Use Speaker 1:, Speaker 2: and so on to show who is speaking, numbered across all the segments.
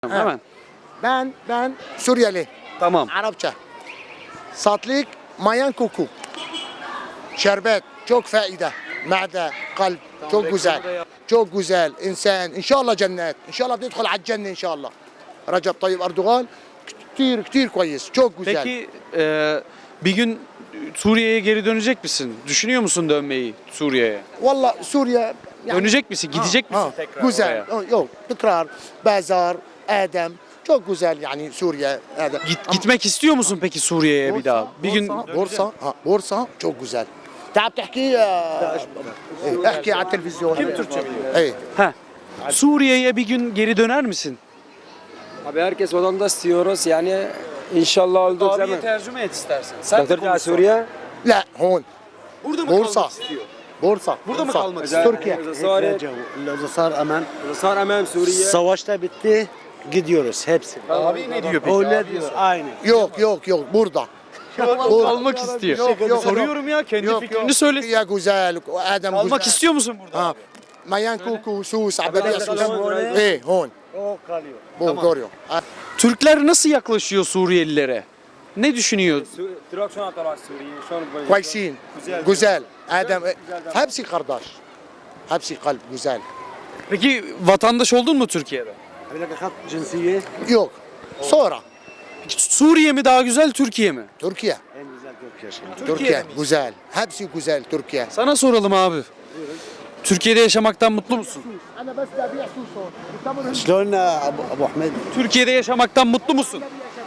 Speaker 1: Hemen.
Speaker 2: Ben Suriyeli.
Speaker 1: Tamam.
Speaker 2: Arapça. Satlık mayan koku. Şerbet çok faide. Mide, kalp çok güzel. Çok güzel. İnsan inşallah cennet. İnşallah تدخل على الجنة inşallah. Recep Tayyip Erdoğan كتير كويس. Çok güzel.
Speaker 1: Peki bir gün Suriye'ye geri dönecek misin? Düşünüyor musun dönmeyi Suriye'ye?
Speaker 2: Vallahi Suriye
Speaker 1: Dönecek misin? Gidecek misin tekrar
Speaker 2: güzel.
Speaker 1: oraya?
Speaker 2: Yok, tekrar Bazar, Adem çok güzel yani Suriye. Adem.
Speaker 1: Gitmek istiyor musun peki Suriye'ye bir daha? Bir gün
Speaker 2: بورصة çok güzel. تعال تحكي احكي على التلفزيون.
Speaker 1: Kim Türkçe biliyor?
Speaker 2: ايه
Speaker 1: Heh. Suriye'ye bir gün geri döner misin?
Speaker 3: Abi herkes vatandaş istiyoruz yani inşallah olduğu zaman.
Speaker 1: tercüme et istersen. Sen de
Speaker 3: Döktüreceğiz
Speaker 1: konuş.
Speaker 3: Suriye.
Speaker 2: لا هون
Speaker 1: Burada mı
Speaker 2: Bursa.
Speaker 1: kalmak istiyor?
Speaker 2: بورصة
Speaker 1: Burada mı
Speaker 2: بورصة.
Speaker 1: kalmak istiyor?
Speaker 2: Türkiye.
Speaker 4: İzle sar aman.
Speaker 3: Sar emem Suriye.
Speaker 4: Savaşta bitti. Gidiyoruz hepsi.
Speaker 1: Abi ne diyor peki?
Speaker 4: Öyle diyor. Aynı.
Speaker 2: Yok burada.
Speaker 1: Kalmak istiyor.
Speaker 2: Yok.
Speaker 1: Soruyorum ya kendi fikrini söyle.
Speaker 2: Türkiye güzel. Adem
Speaker 1: Kalmak
Speaker 2: güzel.
Speaker 1: istiyor musun burada?
Speaker 2: Ha. Mayan kuku, sus, abeliye sus.
Speaker 3: Tamam.
Speaker 2: ايه هون.
Speaker 4: O kalıyor.
Speaker 2: Bu görüyor.
Speaker 1: Türkler nasıl yaklaşıyor Suriyelilere? Ne düşünüyor?
Speaker 3: Trak şu an taraf Suriye. Şu an
Speaker 2: كويسين. Güzel. Adem hepsi kardeş. Hepsi kalp güzel.
Speaker 1: Peki vatandaş oldun mu Türkiye'de?
Speaker 4: Öyle kat cinsiye.
Speaker 2: Yok. Sonra
Speaker 1: Peki Suriye mi daha güzel, Türkiye mi?
Speaker 2: Türkiye.
Speaker 4: En güzel Türkiye şimdi.
Speaker 2: Türkiye güzel. Hepsi güzel Türkiye.
Speaker 1: Sana soralım abi. Türkiye'de yaşamaktan mutlu musun?
Speaker 2: Ana bas tabi'a susun.
Speaker 4: Şlon Abu Ahmed?
Speaker 1: Türkiye'de yaşamaktan mutlu musun?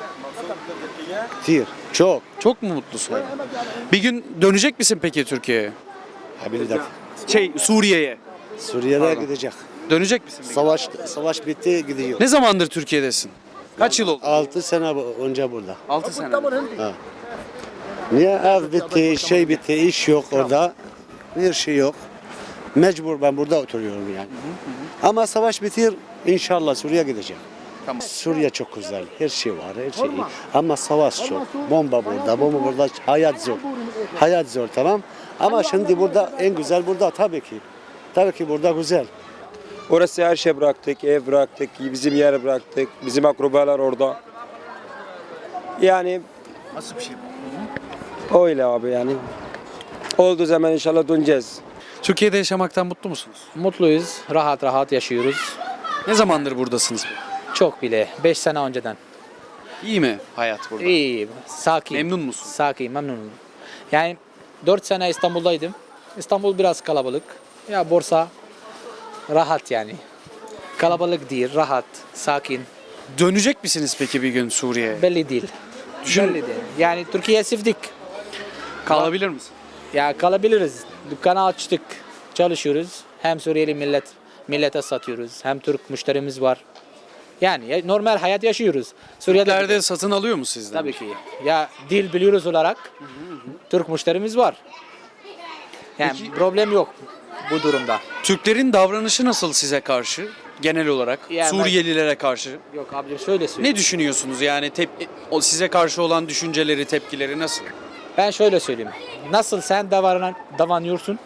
Speaker 4: Ktir. Çok.
Speaker 1: Çok mu mutlusun? Bir gün dönecek misin peki Türkiye'ye?
Speaker 4: Habilidak.
Speaker 1: Suriye'ye.
Speaker 4: Suriye'de gidecek.
Speaker 1: Dönecek misin peki?
Speaker 4: Savaş bitti gidiyor.
Speaker 1: Ne zamandır Türkiye'desin? Kaç yıl oldu?
Speaker 4: 6 sene önce burada.
Speaker 1: 6 sene.
Speaker 4: Niye ev bitti, şey bitti, iş yok orada. Bir şey yok. Mecbur ben burada oturuyorum yani. Ama savaş bitir inşallah Suriye gidecek.
Speaker 1: Tamam.
Speaker 4: Suriye çok güzel. Her şey var, her şey iyi. Ama savaş çok. Bomba burada. Hayat zor. Hayat zor tamam. Ama şimdi burada en güzel burada tabii ki. Tabii ki burada güzel.
Speaker 3: Orası her şey bıraktık, ev bıraktık, bizim yer bıraktık, bizim akrabalar orada. Yani
Speaker 1: Nasıl bir şey?
Speaker 3: öyle abi yani. Olduğu zaman inşallah döneceğiz.
Speaker 1: Türkiye'de yaşamaktan mutlu musunuz?
Speaker 5: Mutluyuz, rahat rahat yaşıyoruz.
Speaker 1: Ne zamandır buradasınız?
Speaker 5: Çok bile, 5 sene önceden.
Speaker 1: İyi mi hayat burada?
Speaker 5: İyi, sakin.
Speaker 1: Memnun musun?
Speaker 5: Sakin, memnunum. Yani 4 sene İstanbul'daydım. İstanbul biraz kalabalık. Ya Bursa rahat yani. Kalabalık değil, rahat, sakin.
Speaker 1: Dönecek misiniz peki bir gün Suriye'ye?
Speaker 5: Belli değil. Belli değil. Yani Türkiye'ye sevdik.
Speaker 1: Kalabilir misin?
Speaker 5: Ya kalabiliriz. Dükkanı açtık, çalışıyoruz. Hem Suriyeli millete satıyoruz. Hem Türk müşterimiz var. Yani normal hayat yaşıyoruz. Suriye'de
Speaker 1: Türklerde satın alıyor mu sizden?
Speaker 5: tabii ki. Ya dil biliyoruz olarak Türk müşterimiz var. Yani problem yok bu durumda.
Speaker 1: Türklerin davranışı nasıl size karşı? Genel olarak
Speaker 5: Yani
Speaker 1: Suriyelilere karşı.
Speaker 5: Yok abicim şöyle söyleyeyim.
Speaker 1: Ne düşünüyorsunuz yani size karşı olan düşünceleri, tepkileri nasıl?
Speaker 5: Ben şöyle söyleyeyim. Nasıl sen davranıyorsun?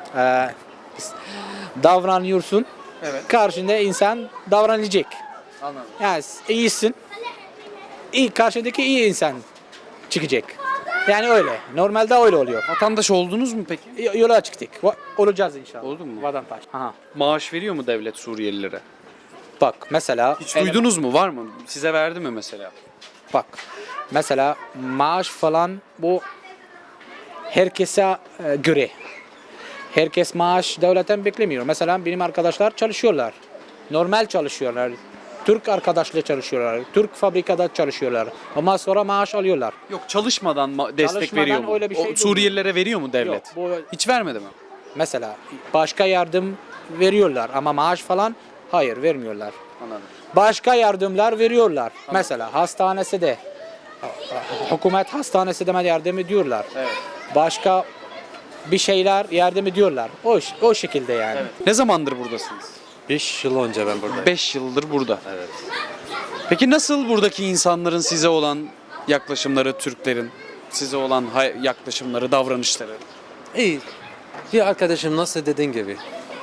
Speaker 5: Davranıyorsun.
Speaker 1: Evet.
Speaker 5: Karşında insan davranacak.
Speaker 1: Anladım.
Speaker 5: Yani iyisin. Karşındaki iyi insan çıkacak. Yani öyle. Normalde öyle oluyor.
Speaker 1: Vatandaş oldunuz mu peki?
Speaker 5: Yola çıktık. Olacağız inşallah.
Speaker 1: Oldu mu?
Speaker 5: Vatandaş. Aha.
Speaker 1: Maaş veriyor mu devlet Suriyelilere?
Speaker 5: Bak mesela.
Speaker 1: Hiç duydunuz mu? Var mı? Size verdi mi mesela?
Speaker 5: Bak. Mesela maaş falan bu herkese göre. Herkes maaş devletten beklemiyor. Mesela benim arkadaşlar çalışıyorlar. Normal çalışıyorlar. Türk arkadaşla çalışıyorlar. Türk fabrikada çalışıyorlar. Ama sonra maaş alıyorlar.
Speaker 1: Yok çalışmadan destek
Speaker 5: Çalışmadan
Speaker 1: veriyor mu?
Speaker 5: öyle bir şey
Speaker 1: Suriyelilere veriyor mu devlet?
Speaker 5: Yok, bu-
Speaker 1: Hiç vermedi mi?
Speaker 5: Mesela başka yardım veriyorlar ama maaş falan hayır vermiyorlar.
Speaker 1: Anladım.
Speaker 5: Başka yardımlar veriyorlar. Mesela hastanesi de hükümet hastanesi de yardım ediyorlar.
Speaker 1: Evet.
Speaker 5: Başka bir şeyler yardım ediyorlar. O şekilde yani.
Speaker 1: Ne zamandır buradasınız?
Speaker 6: 5 yıl önce ben buradayım.
Speaker 1: 5 yıldır burada.
Speaker 6: Evet.
Speaker 1: Peki nasıl buradaki insanların size olan yaklaşımları, Türklerin size olan yaklaşımları, davranışları?
Speaker 6: İyi. Bir arkadaşım nasıl dediğin gibi.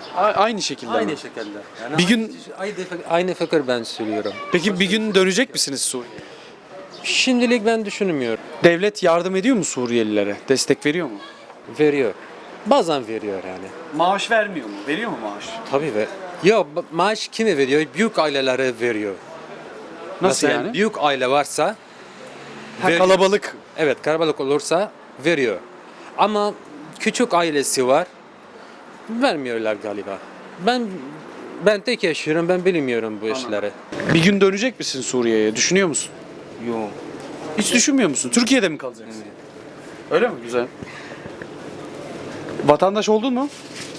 Speaker 1: Aynı şekilde
Speaker 6: Aynı
Speaker 1: mi?
Speaker 6: şekilde. Yani
Speaker 1: Bir gün-
Speaker 6: aynı fikir ben söylüyorum.
Speaker 1: Peki bir gün dönecek misiniz Suriye'ye?
Speaker 6: Şimdilik ben düşünmüyorum.
Speaker 1: Devlet yardım ediyor mu Suriyelilere? Destek veriyor mu?
Speaker 6: Veriyor. Bazen veriyor yani.
Speaker 1: Maaş vermiyor mu? Veriyor mu maaş?
Speaker 6: Tabii ver. Yok maaş kime veriyor? Büyük ailelere veriyor.
Speaker 1: Nasıl
Speaker 6: Mesela
Speaker 1: yani?
Speaker 6: büyük aile varsa veriyor.
Speaker 1: Kalabalık.
Speaker 6: Evet kalabalık olursa veriyor. Ama küçük ailesi var. Vermiyorlar galiba. Ben tek yaşıyorum. Ben bilmiyorum bu işleri.
Speaker 1: Bir gün dönecek misin Suriye'ye? Düşünüyor musun?
Speaker 6: Yok.
Speaker 1: Hiç düşünmüyor musun? Türkiye'de mi kalacaksın? Öyle mi? Güzel. Vatandaş oldun mu?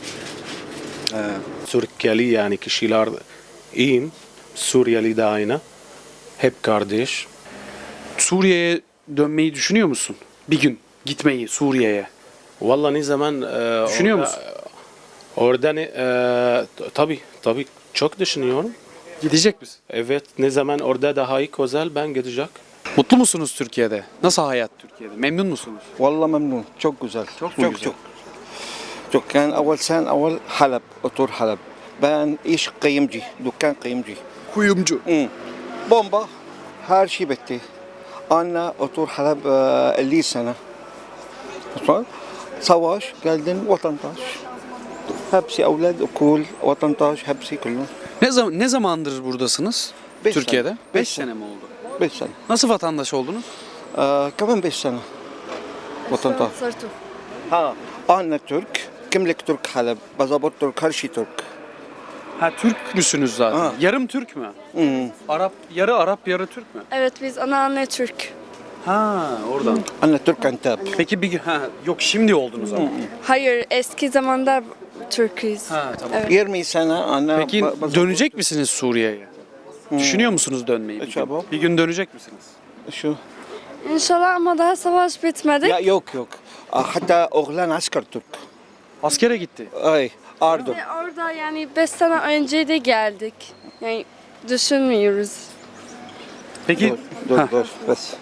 Speaker 7: Suriyeli yani kişiler iyiyim. Suriyeli de aynı. Hep kardeş.
Speaker 1: Suriye'ye dönmeyi düşünüyor musun? Bir gün gitmeyi Suriye'ye.
Speaker 7: Vallahi ne zaman
Speaker 1: Düşünüyor
Speaker 7: orada,
Speaker 1: musun?
Speaker 7: Orada tabii çok düşünüyorum.
Speaker 1: Gidecek misin?
Speaker 7: Evet ne zaman orada daha iyi güzel ben gidecek.
Speaker 1: Mutlu musunuz Türkiye'de? Nasıl hayat Türkiye'de? Memnun musunuz?
Speaker 8: والله ممنون çok güzel
Speaker 1: Çok mu güzel?
Speaker 8: çok كان أول سنة أول حلب أطور حلب ben iş kıyımcı dükkan kıyımcı
Speaker 1: Kuyumcu.
Speaker 8: bomba her şey bitti أنا أطور حلب 50 sene sonra savaş geldin vatandaş hepsi evlad okul vatandaş hepsi kullu
Speaker 1: Ne zamandır buradasınız?
Speaker 8: Beş
Speaker 1: Türkiye'de?
Speaker 8: sene.
Speaker 1: 5
Speaker 8: Beş
Speaker 1: sene mi oldu?
Speaker 8: 5 sene
Speaker 1: Nasıl vatandaş oldunuz?
Speaker 8: كمان 5 sene vatandaş ha أنا Türk kimlik Türk Halep pasaport Türk her şey Türk
Speaker 1: Ha Türk müsünüz zaten?
Speaker 8: Ha.
Speaker 1: Yarım Türk mü? Arap, yarı Arap, yarı Türk mü?
Speaker 9: Evet biz anneanne Türk.
Speaker 1: Ha, oradan.
Speaker 8: أنا Türk Antep
Speaker 1: Peki bir gün yok şimdi oldunuz ama.
Speaker 9: Hayır eski zamanda Türk'üz.
Speaker 1: Ha tamam.
Speaker 9: Evet.
Speaker 8: 20 sene أنا
Speaker 1: Peki dönecek misiniz Suriye'ye? Düşünüyor musunuz dönmeyi? Bir gün?
Speaker 8: Çabuk.
Speaker 1: Bir gün dönecek misiniz?
Speaker 8: şu
Speaker 9: İnşallah ama daha savaş bitmedi.
Speaker 8: Ya yok hatta oğlan asker Türk.
Speaker 1: Askere gitti.
Speaker 8: Ay Ardo.
Speaker 9: Ve orada yani 5 sene önce de geldik. Yani düşünmüyoruz.
Speaker 1: Peki
Speaker 8: Dur bas.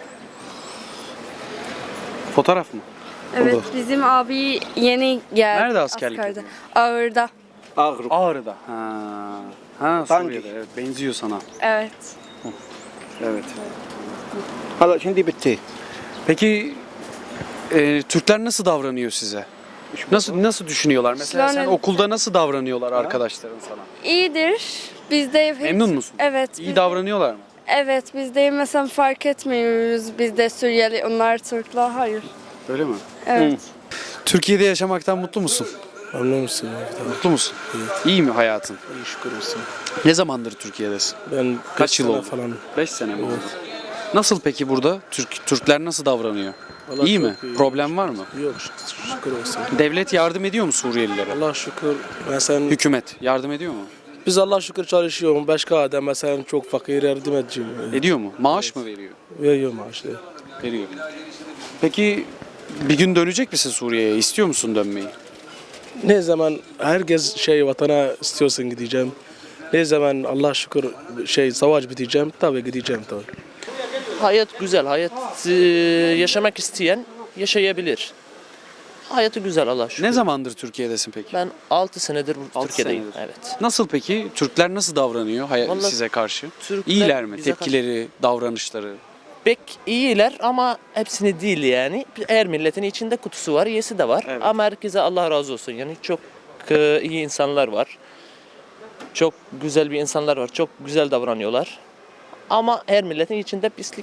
Speaker 1: fotoğraf mı?
Speaker 9: Evet bizim abi yeni geldi.
Speaker 1: Nerede askerlik
Speaker 9: askerde.
Speaker 1: yapıyor?
Speaker 9: Ağırda.
Speaker 8: Ağrı.
Speaker 1: Ağrı'da. Ha
Speaker 8: Hangi?
Speaker 1: Suriye'de. Evet, benziyor sana.
Speaker 9: Evet.
Speaker 1: Evet.
Speaker 8: Hala şimdi bitti.
Speaker 1: Peki Türkler nasıl davranıyor size? Nasıl düşünüyorlar? Mesela sen
Speaker 9: Yani-
Speaker 1: okulda nasıl davranıyorlar arkadaşların sana?
Speaker 9: İyidir. Biz de hiç-
Speaker 1: Memnun musun?
Speaker 9: Evet.
Speaker 1: İyi
Speaker 9: biz-
Speaker 1: davranıyorlar mı?
Speaker 9: Evet biz de mesela fark etmiyoruz. Biz de Suriyeli onlar Türkler. Hayır.
Speaker 1: Öyle mi?
Speaker 9: Evet.
Speaker 1: Türkiye'de yaşamaktan mutlu musun?
Speaker 10: Memnun musun?
Speaker 1: Mutlu musun? İyi mi hayatın?
Speaker 10: İyi şükür olsun.
Speaker 1: Ne zamandır Türkiye'desin?
Speaker 10: Ben
Speaker 1: Kaç yıl
Speaker 10: sene
Speaker 1: oldu?
Speaker 10: falan.
Speaker 1: 5 sene mi oldu? Nasıl peki burada? Türkler nasıl davranıyor?
Speaker 10: Vallahi
Speaker 1: iyi
Speaker 10: çok
Speaker 1: mi?
Speaker 10: iyi.
Speaker 1: Problem var mı?
Speaker 10: Yok şükür olsun.
Speaker 1: Devlet yardım ediyor mu Suriyelilere?
Speaker 10: Allah şükür. Mesela
Speaker 1: Hükümet yardım ediyor mu?
Speaker 10: biz Allah şükür çalışıyoruz. Başka adam mesela çok fakir yardım edeceğim.
Speaker 1: Ediyor mu? Maaş mı veriyor?
Speaker 10: Veriyor maaşları.
Speaker 1: Veriyor. Peki bir gün dönecek misin Suriye'ye? İstiyor musun dönmeyi?
Speaker 10: Ne zaman herkes vatana istiyorsun gideceğim. Ne zaman Allah şükür savaş biteceğim tabii gideceğim tabii.
Speaker 11: Hayat güzel. Hayat yaşamak isteyen yaşayabilir. Hayatı güzel Allah şükür.
Speaker 1: Ne zamandır Türkiye'desin peki?
Speaker 11: Ben 6 senedir
Speaker 1: Altı
Speaker 11: Türkiye'deyim.
Speaker 1: senedir.
Speaker 11: Evet.
Speaker 1: Nasıl peki? Türkler nasıl davranıyor
Speaker 11: Vallahi
Speaker 1: size karşı?
Speaker 11: Türkler
Speaker 1: İyiler mi?
Speaker 11: bize
Speaker 1: Tepkileri, davranışları?
Speaker 11: Pek iyiler ama hepsini değil yani. Her milletin içinde kutusu var, iyisi de var.
Speaker 1: Evet.
Speaker 11: Ama herkese Allah razı olsun. Yani çok iyi insanlar var. Çok güzel bir insanlar var. Çok güzel davranıyorlar. Ama her milletin içinde pislik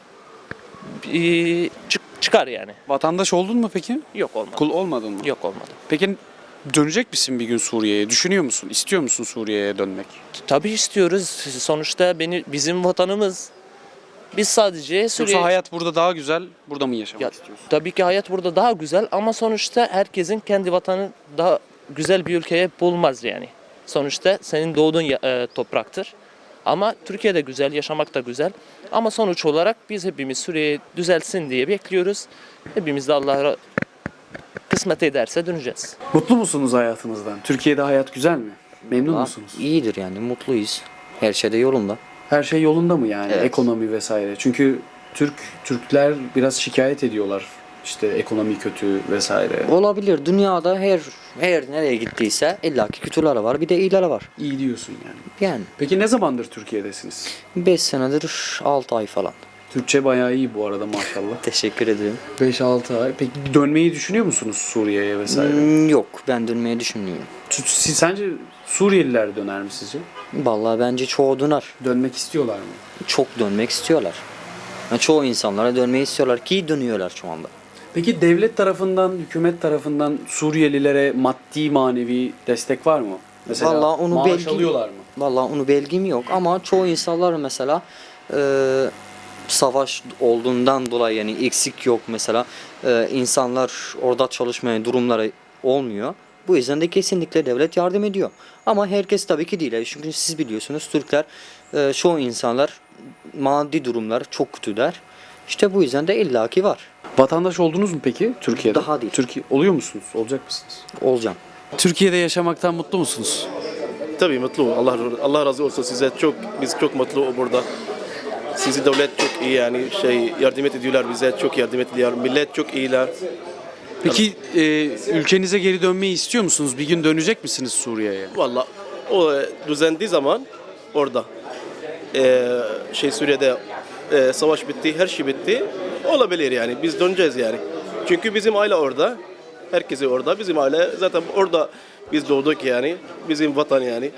Speaker 11: çıkar yani.
Speaker 1: Vatandaş oldun mu peki?
Speaker 11: Yok olmadı.
Speaker 1: Kul olmadın mı?
Speaker 11: Yok olmadı.
Speaker 1: Peki dönecek misin bir gün Suriye'ye? Düşünüyor musun? İstiyor musun Suriye'ye dönmek?
Speaker 11: Tabii istiyoruz. Sonuçta bizim vatanımız. Biz sadece Suriye...
Speaker 1: Yoksa hayat burada daha güzel, burada mı yaşamak
Speaker 11: Ya,
Speaker 1: istiyorsun?
Speaker 11: tabii ki hayat burada daha güzel ama sonuçta herkesin kendi vatanı daha güzel bir ülkeye bulmaz yani. Sonuçta senin doğduğun topraktır. Ama Türkiye'de güzel, yaşamak da güzel. Ama sonuç olarak biz hepimiz Suriye düzelsin diye bekliyoruz. Hepimiz de Allah kısmet ederse döneceğiz.
Speaker 1: Mutlu musunuz hayatınızdan? Türkiye'de hayat güzel mi? Memnun musunuz?
Speaker 12: İyidir yani mutluyuz. Her şey de yolunda.
Speaker 1: Her şey yolunda mı yani?
Speaker 12: Evet.
Speaker 1: Ekonomi vesaire. Çünkü Türkler biraz şikayet ediyorlar İşte ekonomi kötü vesaire.
Speaker 12: Olabilir. Dünyada her nereye gittiyse illaki kötüleri var. Bir de iyileri var.
Speaker 1: İyi diyorsun yani.
Speaker 12: Yani
Speaker 1: Peki ne zamandır Türkiye'desiniz?
Speaker 12: 5 senedir 6 ay falan.
Speaker 1: Türkçe bayağı iyi bu arada maşallah.
Speaker 12: Teşekkür ederim.
Speaker 1: 5-6 ay. Peki dönmeyi düşünüyor musunuz Suriye'ye vesaire?
Speaker 12: Yok, ben dönmeyi düşünmüyorum.
Speaker 1: Sence Suriyeliler döner mi sizce?
Speaker 12: Vallahi bence çoğu döner.
Speaker 1: Dönmek istiyorlar mı?
Speaker 12: Çok dönmek istiyorlar. Yani çoğu insanlara dönmeyi istiyorlar ki dönüyorlar şu anda.
Speaker 1: Peki devlet tarafından, hükümet tarafından Suriyelilere maddi manevi destek var mı? Mesela
Speaker 12: Vallahi onu
Speaker 1: maaş alıyorlar mı?
Speaker 12: Vallahi onu bilgim yok ama çoğu insanlar mesela savaş olduğundan dolayı yani eksik yok mesela insanlar orada çalışmaya durumları olmuyor. Bu yüzden de kesinlikle devlet yardım ediyor. Ama herkes tabii ki değil. Çünkü siz biliyorsunuz Türkler çoğu insanlar maddi durumlar çok kötüler. İşte bu yüzden de illaki var.
Speaker 1: Vatandaş oldunuz mu peki Türkiye'de?
Speaker 12: Daha değil.
Speaker 1: Türkiye oluyor musunuz? Olacak mısınız?
Speaker 12: Olacağım.
Speaker 1: Türkiye'de yaşamaktan mutlu musunuz?
Speaker 10: Tabii mutlu. Allah razı olsun size. Biz çok mutlu burada. Sizi devlet çok iyi yani yardım ediyorlar bize. Çok yardım ediyorlar. Millet çok iyiler.
Speaker 1: Peki ülkenize geri dönmeyi istiyor musunuz? Bir gün dönecek misiniz Suriye'ye?
Speaker 10: Vallahi o düzendiği zaman orada Suriye'de savaş bitti, her şey bitti. Olabilir yani. Biz döneceğiz yani. Çünkü bizim aile orada. Herkesi orada. Bizim aile zaten orada biz doğduk yani. Bizim vatan yani.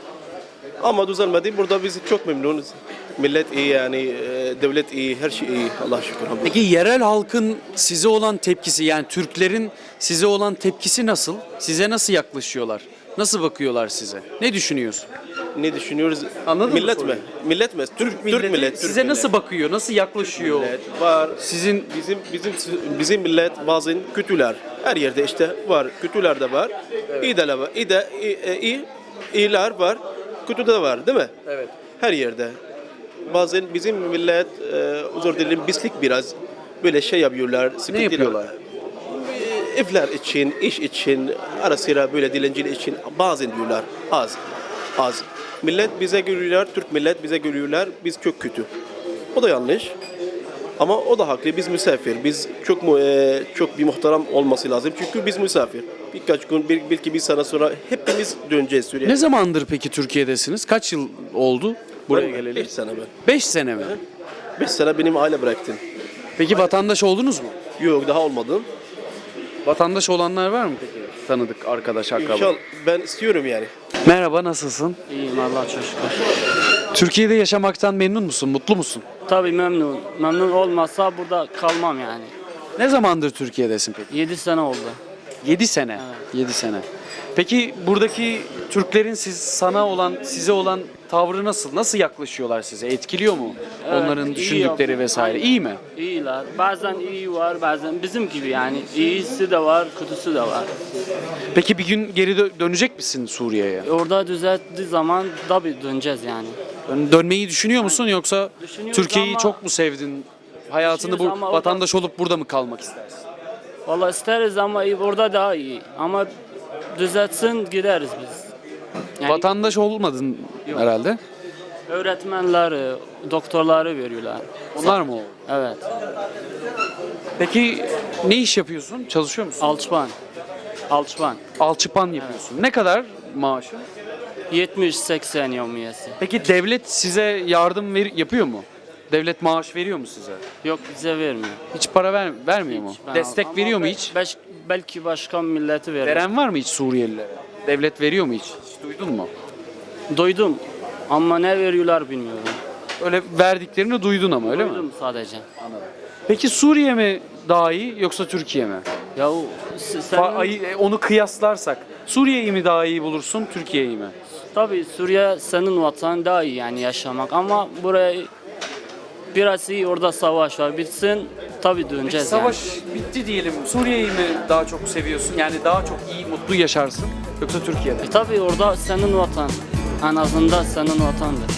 Speaker 10: Ama düzelmedi. Burada biz çok memnunuz. Millet iyi yani. Devlet iyi. Her şey iyi. Allah'a şükür.
Speaker 1: Peki yerel halkın size olan tepkisi yani Türklerin size olan tepkisi nasıl? Size nasıl yaklaşıyorlar? Nasıl bakıyorlar size? Ne düşünüyorsun?
Speaker 10: Ne düşünüyoruz?
Speaker 1: Anladın mı
Speaker 10: millet mi?
Speaker 1: soruyu?
Speaker 10: Millet mi? Türk millet.
Speaker 1: Size nasıl bakıyor? Nasıl yaklaşıyor?
Speaker 10: Millet var.
Speaker 1: Sizin
Speaker 10: Bizim millet bazen kötüler. Her yerde işte var. Kötüler de var. İyi de var. İyiler var. Kötü de var, değil mi?
Speaker 1: Evet.
Speaker 10: Her yerde. Bazen bizim millet özür dilerim pislik biraz böyle yapıyorlar.
Speaker 1: Ne yapıyorlar?
Speaker 10: Evler için, iş için, ara sıra böyle dilencilik için bazen diyorlar az. Millet bize görüyorlar, Türk millet bize görüyorlar, biz çok kötü. O da yanlış. Ama o da haklı, biz misafir. Biz çok bir muhterem olması lazım. Çünkü biz misafir. Birkaç gün, belki bir sene sonra hepimiz döneceğiz Suriye'ye.
Speaker 1: Ne zamandır peki Türkiye'desiniz? Kaç yıl oldu buraya geleli?
Speaker 10: 5 sene ben.
Speaker 1: 5 sene mi?
Speaker 10: 5 sene benim aile bıraktım.
Speaker 1: Peki vatandaş oldunuz mu?
Speaker 10: Yok, daha olmadım.
Speaker 1: Vatandaş olanlar var mı peki? Tanıdık, arkadaş, akraba.
Speaker 10: İnşallah ben istiyorum yani.
Speaker 1: Merhaba, nasılsın?
Speaker 13: İyiyim Allah'a çok şükür.
Speaker 1: Türkiye'de yaşamaktan memnun musun? Mutlu musun?
Speaker 13: Tabii memnun. Memnun olmasa burada kalmam yani.
Speaker 1: Ne zamandır Türkiye'desin peki?
Speaker 13: 7 sene oldu.
Speaker 1: 7 sene.
Speaker 13: Evet.
Speaker 1: 7 sene. Peki buradaki Türklerin size olan tavrı nasıl? Nasıl yaklaşıyorlar size? Etkiliyor mu?
Speaker 13: Evet,
Speaker 1: Onların
Speaker 13: iyi
Speaker 1: düşündükleri
Speaker 13: yapıyor.
Speaker 1: vesaire.
Speaker 13: Aynen.
Speaker 1: İyi mi?
Speaker 13: İyiler. Bazen iyi var, bazen bizim gibi yani. İyisi de var, kötüsü de var.
Speaker 1: Peki bir gün geri dönecek misin Suriye'ye?
Speaker 13: Orada düzelttiği zaman tabii döneceğiz yani.
Speaker 1: Dönmeyi düşünüyor musun yoksa
Speaker 13: Düşünüyoruz
Speaker 1: Türkiye'yi
Speaker 13: ama-
Speaker 1: çok mu sevdin? Hayatını
Speaker 13: Düşünüyoruz ama
Speaker 1: vatandaş olup burada mı kalmak istersin?
Speaker 13: Vallahi isteriz ama orada daha iyi. Ama düzeltsin gideriz biz. Yani
Speaker 1: Vatandaş olmadın herhalde.
Speaker 13: öğretmenleri, doktorları veriyorlar.
Speaker 1: Onlar mı oldu?
Speaker 13: Evet.
Speaker 1: Peki ne iş yapıyorsun? Çalışıyor musun?
Speaker 13: Alçıpan.
Speaker 1: Alçıpan yapıyorsun. Ne kadar maaşın?
Speaker 13: 70-80 yevmiyesi.
Speaker 1: Peki devlet size yardım yapıyor mu? Devlet maaş veriyor mu size?
Speaker 13: Yok bize vermiyor.
Speaker 1: Hiç para vermiyor mu?
Speaker 13: Ben
Speaker 1: Destek
Speaker 13: ama
Speaker 1: veriyor mu hiç?
Speaker 13: Belki başka milleti veriyor.
Speaker 1: Veren var mı hiç Suriyelilere? Devlet veriyor mu hiç duydun mu?
Speaker 13: Duydum ama ne veriyorlar bilmiyorum.
Speaker 1: Öyle verdiklerini duydun ama öyle mi?
Speaker 13: Duydum sadece.
Speaker 1: Peki Suriye mi daha iyi yoksa Türkiye mi?
Speaker 13: Ya
Speaker 1: Onu kıyaslarsak Suriye'yi mi daha iyi bulursun, Türkiye'yi mi?
Speaker 13: tabii Suriye senin vatan daha iyi yani yaşamak ama buraya biraz iyi orada savaş var. Bitsin tabii döneceğiz
Speaker 1: Savaş bitti diyelim. Suriye'yi mi daha çok seviyorsun? Yani daha çok iyi, mutlu yaşarsın yoksa Türkiye'de?
Speaker 13: Tabii orada senin vatan. En azından senin vatandır.